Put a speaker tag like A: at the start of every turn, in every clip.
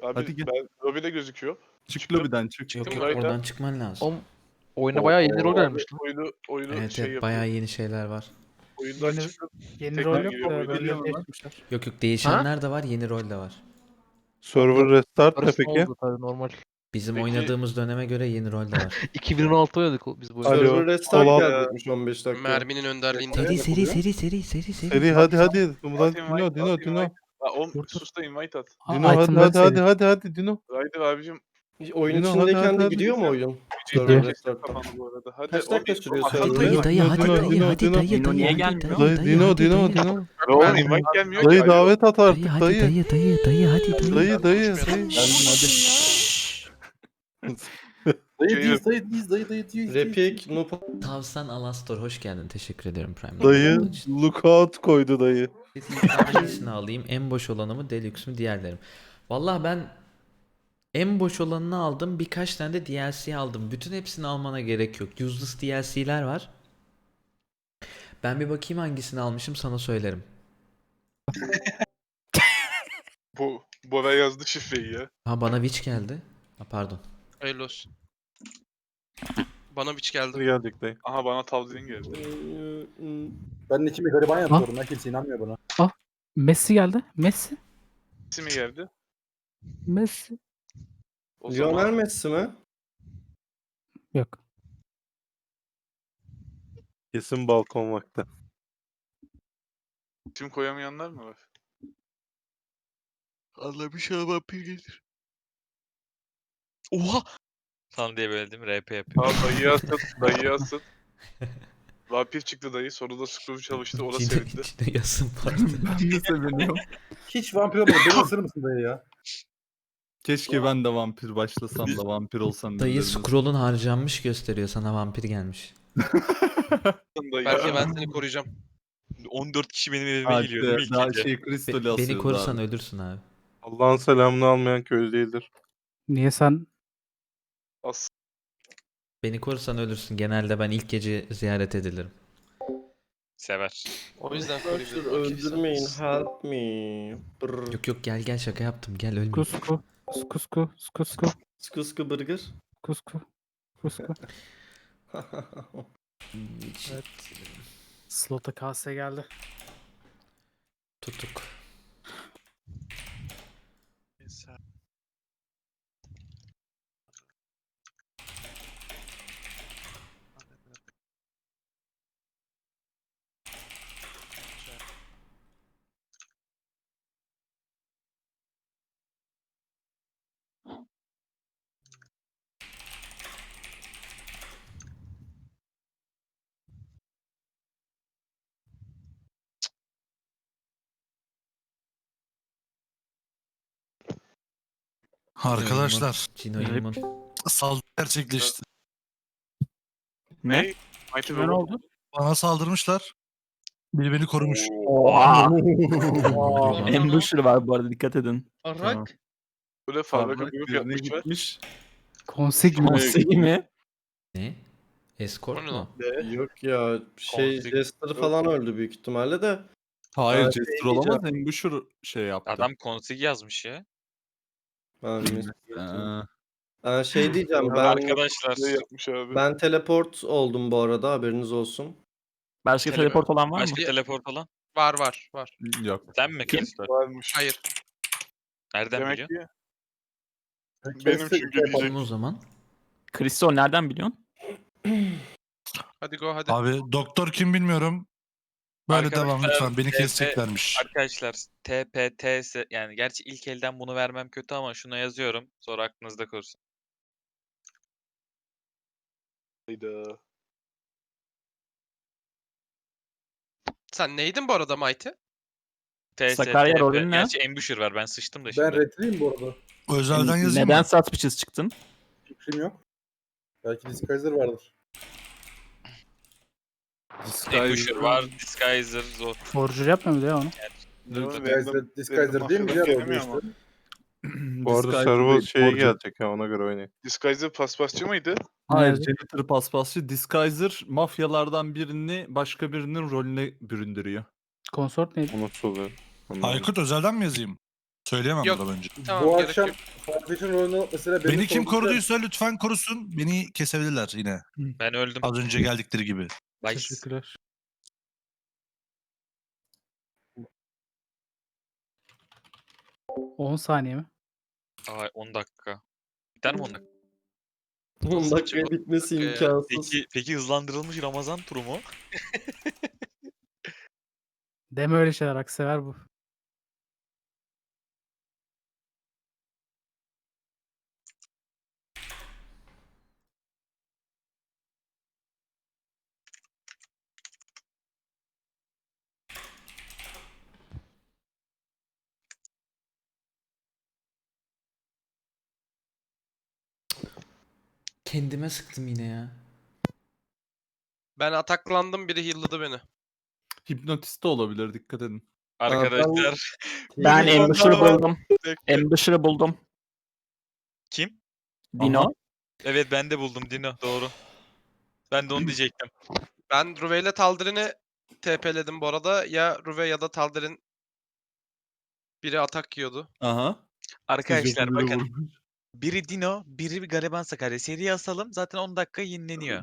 A: Abi
B: Hadi gel.
A: ben lobide gözüküyor.
B: Çık lobiden çık.
C: Yok
A: Çıktım
C: yok
A: gayet
C: oradan çıkman lazım.
D: Oğlum oyuna bayağı yeni rol gelmiş lan.
A: Oyunu
C: Evet
A: şey
C: evet
A: yapıyor.
C: bayağı yeni şeyler var.
A: Oyundan
E: Yeni-
A: çıktım.
E: Yeni
A: Tekrar
E: rol yok
A: giriyor,
E: da
A: oyuna
E: rolleri
B: giriyor lan.
E: değiştirmişler.
C: Yok yok değişenler de var yeni rol de var.
B: Server restart ne
D: Arası
B: peki?
D: oldu tabii normal.
C: Bizim
A: Peki-
C: oynadığımız döneme göre yeni rol de var.
D: 2016 oynadık biz bu oyunu.
B: Alo.
F: Server restart
B: Olan-
F: gelecekmiş 15 dakika.
G: Merminin önderliğinde.
B: Seri hadi. Murat Dino.
A: Ha, oğlum
E: Dur, dur.
A: sus da invite at.
B: Dino hadi Dino.
A: Haydi abicim.
F: Oyun
B: Dino,
F: içindeyken de
B: hadi.
F: gidiyor mu oyun?
E: Gidiyor.
F: Server restart'ta.
A: Kapandı bu arada. Hadi
F: Kaç dakika sürüyor
A: Hadi
F: server?
C: Dayı dayı hadi
B: Dino,
C: dayı
B: Dino,
C: hadi
B: Dino.
C: dayı
H: Dino
C: dayı
H: niye
C: hadi
H: gelmiyor?
C: dayı dayı hadi dayı.
A: Oğlum invite gelmiyor ki.
B: Dayı
A: Alo.
B: davet at
C: Dayı
B: artık
C: hadi
B: dayı.
C: dayı hadi dayı.
B: Dayı.
F: Repik, Noob.
C: Tavsan Alastor hoş geldin. Teşekkür ederim Prime.
B: Dayı lookout koydu dayı.
C: Hangisini alayım? En boş olanı mı, Deluxe mu, diğerlerim? Vallahi ben en boş olanını aldım. Birkaç tane de DLC aldım. Bütün hepsini almana gerek yok. Useless DLC'ler var. Ben bir bakayım hangisini almışım sana söylerim.
A: Bora yazdı şifreyi ya.
C: Ha bana Witch geldi. Ha pardon.
G: Hayırlı olsun. Bana biç geldi.
B: Geldik dayı.
A: Aha bana tavsiyen geldi.
I: Ben içimi gariban yapıyorum. Ben kimse inanmıyor buna.
E: Messi geldi. Messi.
A: İsmi geldi.
E: Messi.
A: O
F: Lionel
A: zaman
F: Messi mi?
E: Yok.
B: Kesin balkon vakti.
A: isim koyamayanlar mı var?
G: Allah bir şey vampir gelir. Oha! Falan diye böyle değil mi? RP yapıyor.
A: Aa dayı asıt. Dayı asıt. Vampir çıktı dayı. Sonra da Scrooge çalıştı. O da sevindi.
C: İçine yasın vardı.
B: Ben de seviniyorum.
I: Hiç vampir olmadı. Beni ısırır mısın dayı ya?
B: Keşke ben de vampir başlasam da vampir olsam.
C: Dayı
B: birilerine.
C: scroll'un harcanmış gösteriyor. Sana vampir gelmiş.
A: Dayı.
G: Belki ben seni koruyacağım. 14 kişi benim evime
B: Hadi,
G: geliyor değil mi ilk
B: daha
G: gece?
B: kristali
C: Beni
B: asıyoruz
C: korusan
B: abi.
C: ölürsün abi.
B: Allah'ın selamını almayan köylü değildir.
E: Niye sen
A: As.
C: Beni korusan ölürsün. Genelde ben ilk gece ziyaret edilirim.
G: Sever. O yüzden
F: Arkadaşlar
G: koruyabilirim.
F: öldürmeyin. Help me. Brr.
C: Yok yok gel şaka yaptım. Gel ölme.
E: kusku skusku skusku
F: Sıkı sıkı burger.
E: kusku kusku.
C: Evet.
E: Slota kase geldi.
C: Tutuk.
H: Arkadaşlar
C: Cino'yumun.
H: saldırı gerçekleşti.
A: Ne? Mighty
E: Kime ne
A: Robot.
E: oldu?
H: Bana saldırmışlar. Biri beni korumuş.
C: Ambusher
H: var bu arada dikkat edin.
G: Arak.
A: Böyle fabrika
B: Parmak
A: grup
B: birine
A: yapmışlar.
B: gitmiş.
E: Konsig mi?
H: mi?
C: Ne? Escort
G: O ne
C: mu?
G: lan?
F: Yok ya Jester falan öldü büyük ihtimalle de.
B: Hayır
F: Ben
B: Jester olamaz. Ambusher şey yaptı.
G: Adam konsig yazmış ya.
F: Ben şey diyeceğim
G: Arkadaşlar.
A: Ne yapmış abi?
F: ben teleport oldum bu arada haberiniz olsun.
H: Başka teleport olan var mı?
G: Başka teleport olan? Var.
B: Yok.
G: Sen mi Kristal?
A: Varmış.
G: Hayır. Nereden
A: Demek
G: biliyorsun?
A: ki benim çünkü diyecek.
C: Kim o zaman?
H: Kristol nereden biliyorsun?
G: Hadi go hadi.
H: Abi doktor kim bilmiyorum. Böyle
G: Arkadaşlar,
H: devam lütfen. Beni
G: TP
H: keseceklermiş.
G: Arkadaşlar TPTS yani gerçi ilk elden bunu vermem kötü ama şuna yazıyorum. Sonra aklınızda kalsın.
A: Hayda.
G: Sen neydin bu arada Mighty?
H: Sakarya rolün ne?
G: Gerçi Ambusher var ben sıçtım da
I: Ben
G: şimdi.
I: redliyim bu arada.
H: Özelden yazayım
C: Neden
H: mı?
C: satmışız çıktın?
I: Fikrim yok. Belki Disguiser vardır.
G: Ambusher var, Disguiser, Zor.
E: Forger yapmıyor mu ya onu?
I: Disguiser değil mi? Diğer oldu işte.
B: Bu arada server şeye gelecek ya ona göre oynayın.
A: Disguiser paspasçı mıydı?
B: Hayır,
E: Nerede?
B: Janitor paspasçı Disguiser mafyalardan birini başka birinin rolüne büründürüyor.
E: Konsort neydi?
B: Unutuluyor.
H: Aykut özelden mi yazayım? Söyleyemem
G: Yok.
H: buradan önce.
G: Tamam
I: Bu
G: gerek
I: akşam
G: yok.
I: Farfetch'in rolünü mesela
H: Beni kim
I: sorduğum-
H: koruduysa lütfen korusun. Beni kesebilirler yine.
G: Ben öldüm.
H: Az önce geldikleri gibi.
G: Nice.
E: Teşekkürler. On saniye mi?
G: Aa, 10 dakika. Biter mi 10 dakika?
F: 10 dakikaya bitmesi imkansız.
G: Peki hızlandırılmış Ramazan turu mu?
E: Deme öyle şeyler. Aksever bu.
C: Kendime sıktım yine ya.
J: Ben ataklandım, biri heal'ladı beni.
B: Hipnotist de olabilir, dikkat edin.
G: Arkadaşlar.
F: Ben
J: Ambusher'ı
F: buldum.
G: Bekle.
F: Ambusher'ı buldum.
G: Kim?
F: Dino.
G: Evet ben de buldum Dino. Doğru. Ben de onu diyecektim.
J: Ben Ruve ile Taldirin'i TP'ledim bu arada. Ya Ruve ya da Taldirin biri atak yiyordu.
B: Aha.
G: Arkadaşlar
B: Teşekkürleri
G: bakın.
B: vurmuş.
G: Biri Dino, biri bir Gariban Sakarya. Seriye asalım. Zaten 10 dakika yenileniyor.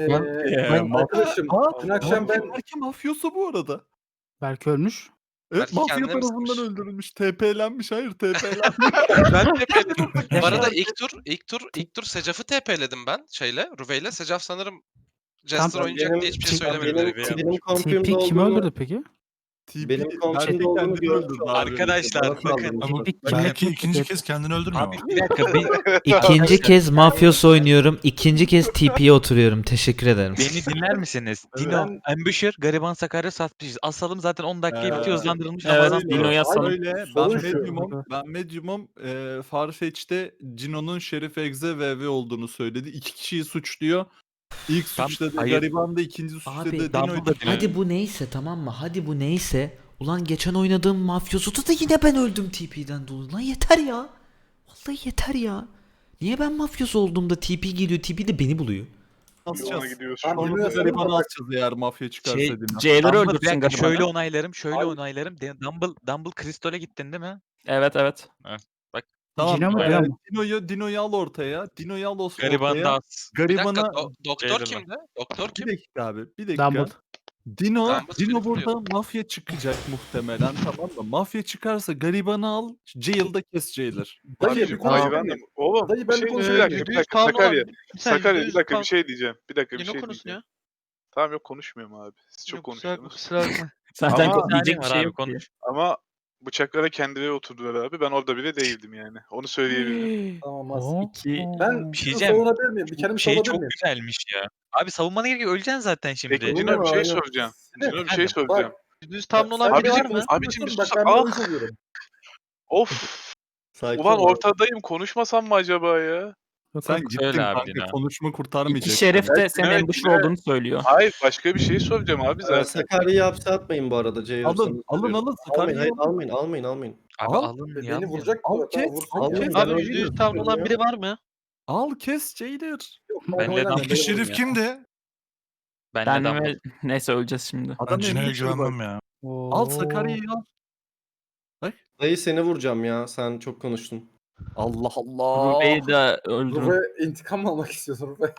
I: Arkadaşım dün akşam ben
B: Belki mafyosu bu arada.
E: Belki ölmüş.
B: Evet,
J: Belki
B: mafya
J: kendine mi
B: tarafından
J: sıkmış?
B: öldürülmüş. TP'lenmiş. Hayır, TP'lenmiş.
J: Ben TP'ledim. Bu arada ilk tur Secaf'ı TP'ledim ben şeyle, Ruve ile. Secaf sanırım Jester
E: Tam-
J: oynayacak diye hiçbir şey söylemedi.
F: Benim confirm'de
E: TP kim
F: olduğunu...
E: öldürdü peki?
F: Benim
B: TP
F: kontrolde
B: belki
F: olduğunu
B: kendini
F: görmüş
B: öldürdü
F: oldum.
B: abi.
G: Arkadaşlar
F: Bana
G: bakın.
F: saldırmış.
E: Ama kim
H: Belki
E: yapmış?
H: ikinci kez kendini öldürmüyor
G: Abi
H: mu?
G: bir dakika.
C: İkinci kez mafyos oynuyorum. İkinci kez TP'ye oturuyorum. Teşekkür ederim.
G: Beni dinler misiniz? Dino, Ambusher, Gariban Sakarya, Satmışız. Asalım zaten 10 dakikaya bitiyor. Hızlandırılmış Ramazan turu.
F: Dino'ya asalım.
B: Öyle. Ben
I: Sorun şu.
B: Medium'um. Ben Medium'um. Farfetch'te Cino'nun Şerif Egze VV olduğunu söyledi. 2 kişiyi suçluyor. İlk
G: Tam-
B: suçladı
G: hayır.
B: Gariban da, ikinci suçladı
C: Abi,
B: Dino'ydu.
G: Dumbledore Dino.
C: Hadi bu neyse, tamam mı? Hadi bu neyse. Ulan geçen oynadığım mafyosuda da yine ben öldüm TP'den dolayı. Lan yeter ya. Vallahi yeter ya. Niye ben mafyos olduğumda TP geliyor, TP de beni buluyor?
A: Yoluna
B: Asacağız.
A: gidiyoruz.
I: Tamam,
B: Sonra da
I: Dino'ya
B: Gariban'ı
I: sorun.
B: asacağız eğer mafya çıkarsa
G: Şey,
B: Dino.
F: Jailer'ı
G: Dumble, bir
F: öldürsün
G: dakika, şöyle
F: Gariban'ı.
G: onaylarım, şöyle
I: Abi-
G: onaylarım. Dumble Crystal'e gittin değil mi?
F: Evet evet.
B: Tamam.
E: Cino mu, Dino mu?
B: Dino'yu al ortaya. Dino'yu al
G: Gariban da
B: ortaya.
G: as.
J: Bir dakika,
B: Gariban'a
J: doktor
G: Jailer'la.
J: kimdi? Doktor
B: bir
J: kim?
B: dakika abi. Bir dakika.
E: Dumbledore.
B: Dino
J: Dumbledore
B: burada mafya çıkacak muhtemelen, tamam mı? Mafya çıkarsa Gariban'ı al. Jail'da kes Jailer.
I: Dayı
A: Abicim,
I: bir konuşabilir
A: hayvanım.
I: miyim?
A: Oğlum
I: Dayı,
A: bir
I: ben
A: şey
I: bir
A: diyeceğim.
I: konuşabilir
A: Bir
I: miyim?
A: dakika Sakarya. Sakarya bir dakika bir şey diyeceğim. Bir dakika bir
J: Dino
A: şey
J: konuşsun
A: diyeceğim.
J: ya.
A: Tamam yok konuşmuyorum abi. Siz çok konuştunuz.
F: Zaten
A: Ama-
F: diyecek bir şey
G: abi,
F: yok ki.
G: konuş.
A: Ama bıçaklara kendileri oturdular abi. Ben orada bile değildim yani. Onu söyleyebilirim.
I: Tamam
E: Oo.
I: az.
F: İki...
I: Ben
G: Bir şey
I: şunu
G: diyeceğim.
I: savunabilir miyim? Bir kendimi
G: Şey
I: savunabilir
G: çok
I: miyim?
G: güzelmiş ya. Abi savunmana gerek yok. Öleceksin zaten şimdi.
A: Peki Dino bir şey
I: Aynen.
A: soracağım. Dino bir şey
G: Efendim?
A: soracağım.
J: Düz tamlı olan
A: Abicim,
J: biri var mı?
A: abicim bir
I: Bak
A: sus.
I: ben
A: Ah,
I: böyle söylüyorum.
A: of.
F: Sakin
A: Ulan
F: ol.
A: ortadayım. Konuşmasam mı acaba ya?
E: Yok,
B: Sen
E: yok.
B: gittin
G: Söyle abi
B: kanka.
G: Dino.
B: Konuşma kurtarmayacak.
F: İki şerif de
A: Evet,
F: senin
A: evet,
F: ambusher
A: evet.
F: olduğunu söylüyor.
A: Hayır başka bir şey soracağım abi zaten.
F: Sakarya'yı hapse atmayın bu arada Jailer.
B: Alın,
F: sana
B: alın,
F: söylüyorum.
B: alın.
F: Almayın,
B: Sakarya'yı
F: hayır,
B: alın.
F: almayın.
G: Abi
B: Al,
G: alın ya.
I: Beni vuracak.
B: Al,
I: Tamam,
B: kes,
I: vursun.
B: al, kes.
F: Ben
J: Abi
F: öyle
J: düz tamlı olan biri var mı?
B: Al kes Jailer.
I: Yok,
G: Ben
I: ben
G: de
I: oynamıyorum,
G: Dumbledore
H: İki
I: ben
H: şerif kimdi?
G: Ben
F: Ben
G: de
F: ve... Neyse öleceğiz şimdi.
H: Ben
B: Adam
H: Cino'ya
B: emniyet şurubu.
H: güvenmem ya.
B: Al
E: Oo.
B: Sakarya'yı al.
F: Dayı seni vuracağım ya. Sen çok konuştun.
B: Allah Allah.
F: Rube'yi de öldürün.
I: Ruve intikam mı almak istiyorsun Ruve?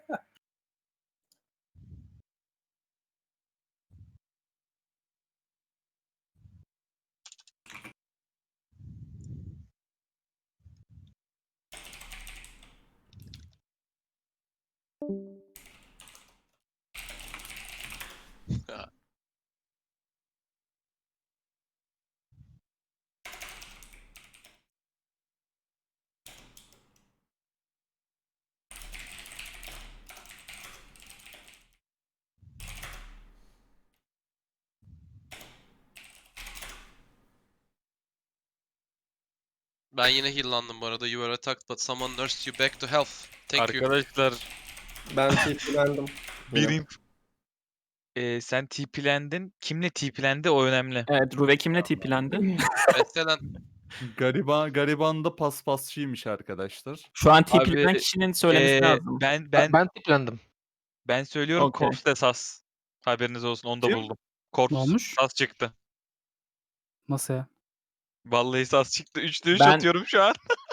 J: Ben yine heal'landım bu arada. You were attacked but someone nursed you back to health. Thank you.
G: Arkadaşlar
F: Ben TP'lendim.
G: birim. Sen TP'lendin. Kimle TP'lendi o önemli.
F: Evet, Ruve kimle TP'lendi?
J: Mesela
B: Gariban da paspasçıymış arkadaşlar.
F: Şu an
G: Abi,
F: TP'lenen kişinin söylemesi lazım.
G: Ben
D: tiplendim.
G: ben söylüyorum
F: Okey.
G: Corpse de sas. Haberiniz olsun onu da
B: Kim?
G: buldum. Corpse
E: Ne olmuş?
G: sas çıktı.
E: Nasıl ya?
G: Vallahi sas çıktı. 3'te 3
F: Ben-
G: atıyorum şu an.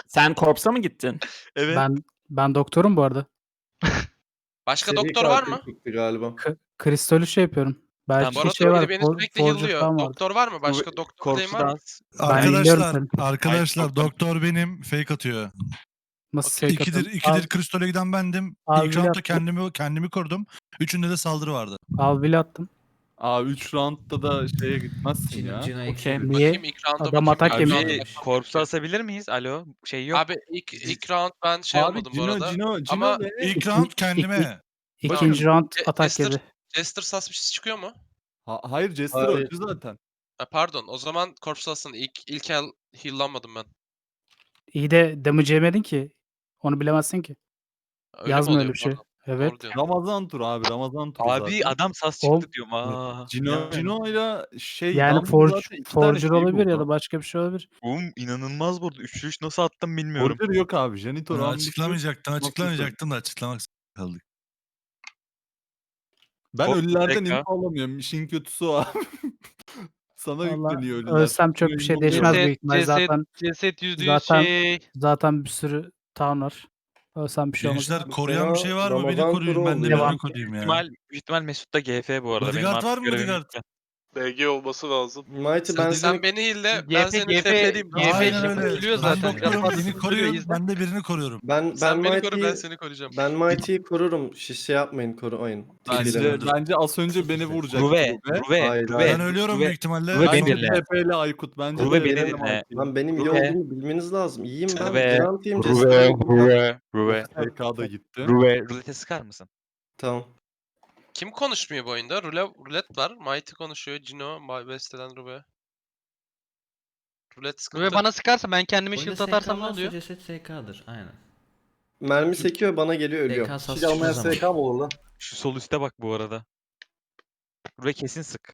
K: Sen korpsa mı gittin?
G: Evet.
E: Ben doktorum bu arada.
J: Başka
F: Seri
J: doktor var
F: katil
J: mı?
F: çıktı galiba.
E: Kristolü şey yapıyorum.
J: Bu
E: Belki
J: arada
E: şey var.
J: biri beni sürekli
E: Forger
J: heal'lıyor.
E: falan vardı.
J: Doktor var mı? Başka doktor adayım var mı?
H: Arkadaşlar,
E: seni.
H: arkadaşlar
G: doktor.
H: doktor benim fake atıyor.
E: Nasıl
J: Okey.
E: şey
H: İkidir
E: katıyorum?
H: Kristol'e giden bendim.
E: Abi
H: İlk
E: bile
H: roundda
E: attım.
H: kendimi korudum. Üçünde de saldırı vardı.
E: Al bile attım.
B: Abi 3 roundda da şeye gitmezsin
C: Cino,
B: ya.
C: Cino eksi
K: Okey.
C: bir.
E: Niye?
J: Bakayım ilk round'a
E: Adam
J: bakayım.
E: atak
J: İlk
E: yemiş.
J: round'a
G: Abi
J: bakayım.
G: korpsu asabilir miyiz? Alo. Şey yok.
J: Abi ilk round ben şey
B: Abi
J: olmadım bu
B: Cino,
J: arada.
B: Cino
J: Ama
B: ve
H: İlk round kendime.
E: İkinci round atak
J: Jester,
E: yedi.
J: Jester suspicious çıkıyor mu?
B: Hayır Jester
F: Hayır.
B: öldü zaten.
J: Ha, pardon. O zaman Corpse Las'ın ilk el heal'lanmadım ben.
E: İyi de damage yemedin ki. Onu bilemezsin ki.
J: Öyle mi
E: Yazmıyor
J: oluyor?
E: öyle bir şey.
J: Pardon.
E: Evet.
J: Doğru diyorsun.
B: Ramazan turu abi Ramazan turu
G: Abi
B: zaten.
G: adam sas
E: Oğlum,
G: çıktı diyorum. Aa.
B: Cino'yla şey
E: Yani
B: Dumbledore zaten iki tane
E: Forger
B: şey
E: olabilir ya
B: buldu.
E: da başka bir şey olabilir.
G: Oğlum inanılmaz burada. Üçlü üç nasıl attım bilmiyorum.
B: Forger yok abi. Janitor
H: Ya,
B: ambushu.
H: açıklamayacaktım da açıklamak kaldık.
B: Ben
G: Hop,
B: ölülerden
G: tekrar.
B: info alamıyorum. İşin kötüsü o abi. Sana
E: Vallahi
B: yükleniyor ölüler.
E: ölsem çok bir şey
B: Cino'yu
E: değişmez
B: bulamıyorum.
E: büyük ihtimal. Zaten
D: Ceset %100
E: zaten-
D: şey.
E: zaten bir sürü town var. Ölsem bir şey olmaz.
H: Gençler koruyan bir şey var mı? Beni
F: Ramazan
H: koruyun.
F: turu
H: Ben de
F: oldu
E: ya.
H: birini koruyayım ya.
G: Büyük ihtimal Mesut da GF bu arada. Benim
H: Bodyguard
G: artık
H: var mı,
G: görevim
H: bodyguard?
G: bitti.
A: BG olması lazım.
F: Mighty ben
J: Sen
F: seni...
J: beni heal'le, ben
D: GF,
J: seni
D: GF,
J: TP'liyim.
D: GF
H: Aynen
D: yapıp
H: öyle.
D: geliyor
H: Ben
D: zaten.
H: doktorum.
D: Biraz
H: Beni
D: fazla
H: koruyun.
D: izle.
H: Ben de birini koruyorum.
F: Ben
J: Sen beni koru, ben
F: Mighty'yi
J: seni koruyacağım.
F: ben Mighty'yi korurum. Şey yapmayın, korumayın.
B: Bence az önce beni vuracak.
G: Ruve.
F: Hayır,
H: Ben ölüyorum büyük ihtimalle.
G: Ruve
H: Ben
G: beni
B: Bence
G: dinle.
H: sonra-
B: TP ile Aykut. Bence
G: Ruve
B: de
G: beni
B: benim
G: dinle.
B: Aykut.
F: Lan benim iyi
G: Ruve.
F: olduğumu bilmeniz lazım. İyiyim ben.
G: Ruve.
F: Vigilanteyim. Jester'ım.
G: Ruve.
B: TK da gitti.
G: Rulete sıkar mısın?
F: Tamam.
J: Kim konuşmuyor bu oyunda? Rulet var. Mighty konuşuyor. Cino, Besteden Ruve. Rulet sıkıntı.
D: Ve bana sıkarsa ben kendime
C: Oyunda
D: shield atarsam ne
C: varsa
D: oluyor?
C: Ceset SK'dır. Aynen.
F: Mermi sekiyor bana geliyor ölüyorum.
C: SK sas
I: Hiç almayan
C: çıkmaz ama.
I: SK mı olur lan?
G: Şu sol üste bak bu arada. Ruve kesin sık.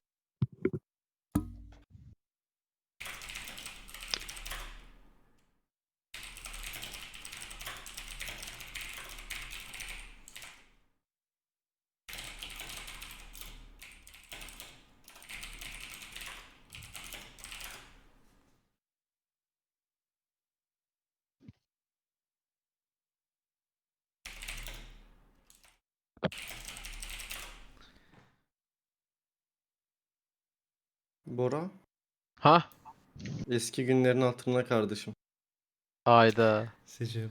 F: Bora.
D: Ha?
F: Eski günlerin hatırına kardeşim.
D: Hayda.
C: Secep.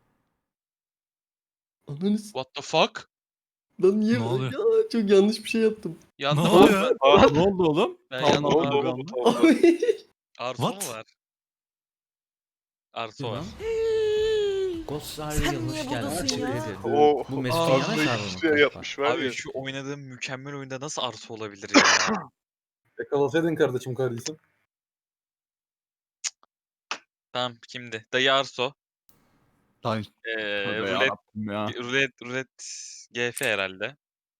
F: Ananı
J: What the fuck?
F: Lan niye
H: Ne oluyor?
F: Ya, çok yanlış bir şey yaptım.
H: Ne
J: Yandım.
H: oluyor?
B: Ne oldu oğlum?
J: Ben
B: Tamam,
J: yandım
A: Ne oldu
J: abi.
A: oğlum bu tavırda?
F: Ay.
G: Arso mu
H: What?
G: var? Arso var.
C: Ghost are real. Hoş geldin. Teşekkür ederim.
A: O
C: Bu Mesut'un yana
A: ağzına
C: hesabı
A: hiçbir şey
C: mı?
A: yapmış var ya.
G: Abi şu oynadığım mükemmel oyunda nasıl Arso olabilir ya?
I: Yakalasaydın kardeşim kardeşim.
G: Tamam kimdi? Dayı Arso.
B: Ay, tövbe
G: Rulet,
B: yarabbim ya.
G: rulet GF herhalde.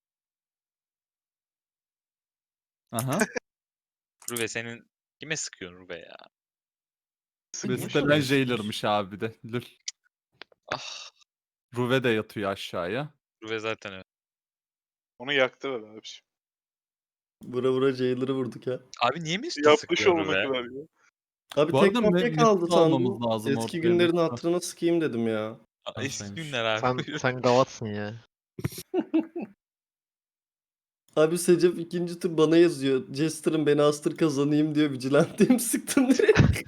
B: Aha.
G: Ruve senin kime sıkıyorsun Ruve ya?
B: Bestelen Jailer'mış abi bir de. Lül.
G: Ah,
B: Ruve de yatıyor aşağıya.
G: Ruve zaten öyle.
A: Onu yaktı be abi.
F: Vura Jailer'ı vurduk ya.
G: Abi niye Mesut'a
A: Yapmış
G: sıkıyorsun
A: olmak
G: Ruve?
A: kadar ya.
F: Abi
B: Bu
F: tek
B: arada
F: kopya
B: Mesut'u
F: kaldı
B: almamız
F: sandım.
B: lazım
F: Eski
B: ortaya,
F: günlerin
B: Mesut'u.
F: hatırına sıkayım dedim ya.
G: Eski
C: Arsaymış.
G: günler abi.
D: Sen gavatsın ya.
F: Abi Secep ikinci tur bana yazıyor. Jester'ım beni astır kazanayım diyor. Vigilanteyim sıktım direkt.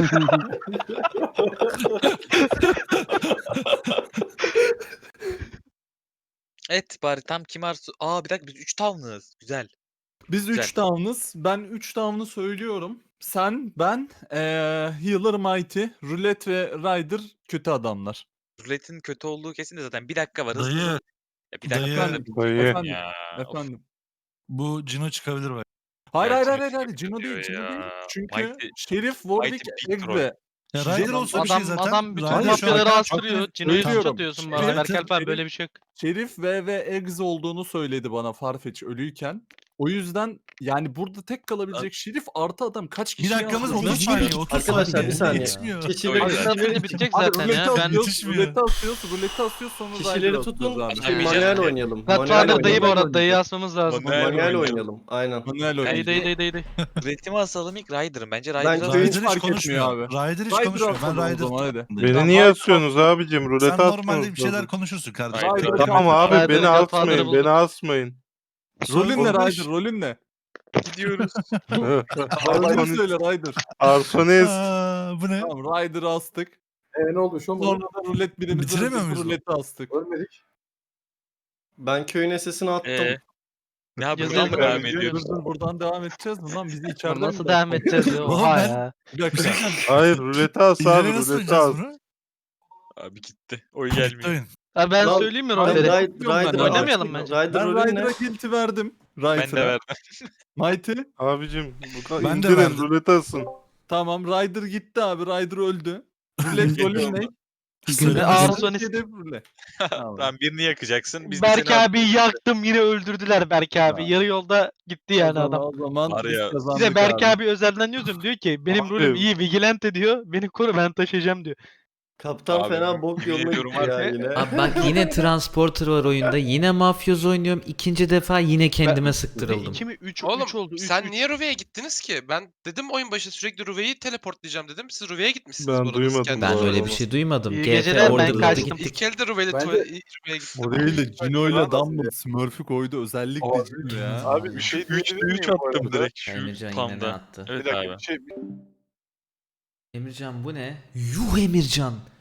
G: Evet bari tam kim Arso? Aa bir dakika biz 3 tavnız. Güzel.
B: Biz
G: Güzel.
B: 3 down'ız. Ben 3 down'ı söylüyorum. Sen, ben, Healer Mighty, Roulette ve Ryder kötü adamlar.
G: Ruletin kötü olduğu kesin de zaten bir dakika var. Hızlı
H: Dayı,
G: hızlı. Ya bir dakika
H: dayı,
G: var.
B: Efendim,
G: Ya. of.
B: efendim.
H: Bu Cino çıkabilir bak.
B: Hayır
G: Gerçi
B: hayır hayır
G: çok
B: hayır. Cino
G: kötü
B: değil, Cino
G: ya.
B: değil. Çünkü
G: Mighty-
B: Şerif, Warwick,
G: Mighty big troll.
B: Egbe.
H: Ya
B: Şey-
H: Ryder olsa bir şey
D: Adam
H: zaten.
D: adam bütün
H: Ryder şu an-
D: mafyaları
B: Hakan-
D: astırıyor. Cino'yu
B: Söylüyorum.
D: suç atıyorsun bana.
H: Şerif-
D: Berk Alper
B: Şerif-
D: böyle bir şey yok.
B: Şerif ve Eggs olduğunu söyledi bana Farfetch ölüyken. O yüzden yani burada tek kalabilecek Şerif artı adam kaç
H: Bir
B: kişi
H: dakikamız
B: yaptı?
H: 30 saniye. 30
F: Arkadaşlar
H: saniye.
F: bir saniye.
H: Yetişmiyor.
F: Kişileri,
G: Abi,
F: kişileri,
D: bitecek
B: Hadi
D: zaten
B: ruleti
D: ya. Ben
B: atıyoruz,
H: yetişmiyor.
B: ruleti atıyoruz sonra
F: kişileri
B: Ryder'ı
F: tutun.
B: atıyoruz abi.
G: Abi,
F: Manuel
G: Manuel
F: oynayalım.
D: Godfather dayı bu
B: oynayalım.
D: arada. Dayı asmamız lazım.
G: Manuel
F: Manuel
G: oynayalım.
F: oynayalım. Aynen.
B: Manuel
D: Dayı
B: oynayacağız.
D: dayı.
G: Üretimi asalım ilk Ryder'ım. Bence
F: Ben
G: Ryder'ı
F: köy-
B: hiç
H: Ryder
B: fark
H: hiç konuşmuyor
B: etmiyor abi.
H: Ryder hiç
B: Ryder'ı
H: konuşmuyor. Ben
B: atalım o
H: Ryder
B: zaman, hadi.
K: Beni
B: Tamam,
K: niye
B: Ryder
K: asıyorsunuz abicim?
H: Sen
K: Rulet
H: normalde
K: atmıyorsunuz.
H: bir şeyler konuşursun kardeşim.
G: Ryder-
H: Tek-
B: Ryder-
K: Tamam abi
D: Ryder
K: beni
D: Godfather'ı
K: asmayın.
D: bulduk.
K: Beni asmayın.
B: Rolün ne
H: 15.
B: Ryder? Rolün ne?
G: gidiyoruz.
B: Rolünü söyle Ryder.
K: Arsones.
H: Aa, bu ne?
B: Tamam Ryder'ı astık.
I: Ne oldu şu mu?
B: Sonra da rulet birimizi
H: Bitiremiyor muyuz bu?
B: ruleti astık.
I: Ölmedik.
F: Ben köyün sesini attım.
G: Ne yapıyoruz?
D: Yazıyorum.
G: Devam
B: Dur
G: ediyoruz.
B: dur buradan devam edeceğiz mi lan? Bizi içeriden
D: Nasıl
B: mi
D: devam
B: bırakacak?
D: edeceğiz ya?
H: Oğlum
D: Oha
H: ben-
D: ya.
B: Bir
H: Bir
B: dakika.
H: şey diyeceğim.
K: Hayır ruleti as abi
H: İleri nasıl
K: ruleti
H: oynayacağız
K: as.
H: bunu?
G: Abi gitti. Oy
H: Bitti
G: gelmiyor.
H: oyun.
D: Ha, ben
F: Lan,
D: söyleyeyim mi
F: Ben
D: rolleri?
F: Ryder'ı
D: Oynamayalım
F: açtım.
D: bence.
F: Ryder
B: Ben
F: rolü ne?
B: Ryder'a kilti verdim.
G: Ben de
B: Ryder'a.
G: verdim.
B: Mighty.
K: Abicim bu kadar
H: Ben de
K: indirin
H: verdim.
K: ruleti asın.
B: Tamam Ryder gitti abi. Ryder öldü. Rulet rolün ne?
H: Söyle.
D: Arsonis.
B: Hedef rulet. Tamam.
G: Tamam birini yakacaksın. Biz de
D: Berk
G: seni
D: abi yaktım yine öldürdüler Berk abi.
B: Ya.
D: Yarı yolda gitti
B: O
D: yani
B: zaman-
D: adam.
B: O zaman
G: Var
B: biz
G: ya.
B: kazandık
D: Size Berk
B: abi.
D: abi özelden yazıyorum diyor ki benim
K: Abi.
D: rolüm iyi vigilante diyor. Beni koru ben taşıyacağım diyor.
F: Kaptan
G: Abi,
F: fena bok
G: yemin
F: yoluna
G: ediyorum
F: gitti ya
G: var ya.
F: yine.
C: Abi bak yine Transporter var oyunda. Yine Mafyoz oynuyorum. İkinci defa yine kendime sıktırıldım.
D: 2 mi 3
J: Oğlum
D: oldu. Üç,
J: sen
D: üç.
J: niye Ruve'ye gittiniz ki? Ben dedim oyun başı sürekli Ruve'yi teleportlayacağım dedim. Siz Ruve'ye gitmişsiniz.
K: Ben
J: bu arada, siz
K: duymadım
J: kendiniz.
C: Ben
K: bu
C: öyle
K: arada.
C: bir şey duymadım.
D: İyi
C: GF
D: geceler, ben
C: Order'da
D: kaçtım.
C: gittik.
J: İlk elde Ruve'yle
I: Bence-
J: Ruve'ye gittim.
B: O değil de Cino ile
I: Bence-
B: Dumble Smurf'ü koydu özellikle
I: Abi,
B: Cino ya.
A: Abi bir şey
G: 3
A: diyebilir miyim bu
G: attım
A: arada?
G: direkt şu
C: Emircan yine ne
G: spamda.
C: attı?
A: Bir
G: Evet
A: dakika
G: abi.
A: bir şey.
C: Emircan bu ne? Yuh Emircan.